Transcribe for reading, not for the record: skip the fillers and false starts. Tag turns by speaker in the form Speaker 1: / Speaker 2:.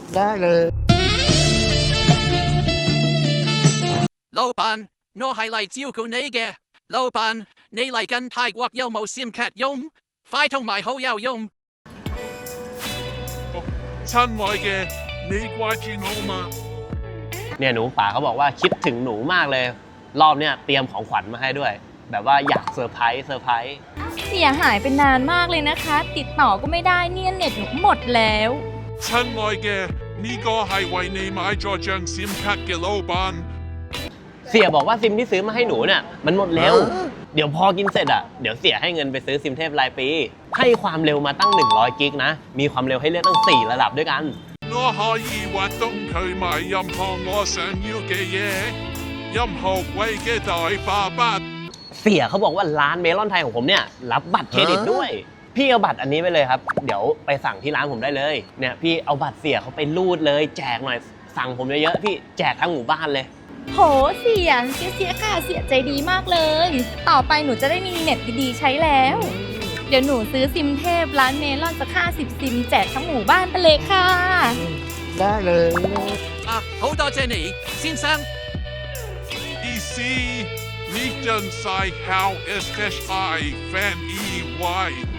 Speaker 1: ได้เลย
Speaker 2: Lopan, no highlights you go nege. Lopan, ne like an tai guak yo mo sim cat yom. Fight on my ho yao yom.
Speaker 3: ท่านไว้แกนี่กว่าจีโนมา
Speaker 4: เนี่ยหนูป๋าเขาบอกว่าคิดถึงหนูมากเลย รอบเนี่ยเตรียมของขวัญมาให้ด้วย แบบว่าอยากเซอร์ไพรส์
Speaker 5: เสียหายไปนานมากเลยนะคะ ติดต่อก็ไม่ได้เนี่ยเน็ตหนูหมดแล้ว
Speaker 3: ท่านไว้แกนี่ก็ให้ไว้ในไม้จอจังซิมคัดกิโลบาน
Speaker 4: เสียบอกว่าซิมที่ซื้อมาให้หนูเนี่ยมันหมดแล้ว เดี๋ยวพอกินเสร็จอ่ะเดี๋ยวเสียให้เงินไปซื้อซิมเทพรายปี ให้ความเร็วมาตั้ง100กิกนะมีความเร็วให้เลือกตั้ง4ระดับด้วยกัน
Speaker 3: น้อหายีว่าต้องเคยมายำพองอแสนยูเกเยยำหกไว้แกดอยปาบัด
Speaker 4: เสียเขาบอกว่าร้านเมลอนไทยของผมเนี่ยรับบัตรเครดิตด้วย พี่เอาบัตรอันนี้ไปเลยครับเดี๋ยวไปสั่งที่ร้านผมได้เลยเนี่ยพี่เอาบัตรเสียเขาไปรูดเลยแจกหน่อยสั่งผมเยอะๆพี่แจกทั้งหมู่บ้านเลย
Speaker 5: โหเสียค่ะเสียใจดีมากเลย ต่อไปหนูจะได้มีเน็ตดีๆใช้แล้ว เดี๋ยวหนูซื้อซิมเทพร้านเมลอนสัก50ซิมแจกทั้งหมู่บ้านไปเลยค่ะ
Speaker 1: ได้เลย
Speaker 2: Ah, hold on, Jenny. Sim Sam.
Speaker 3: อีซีนี่จันไซฮาวเอสเอชไอแฟนอีไว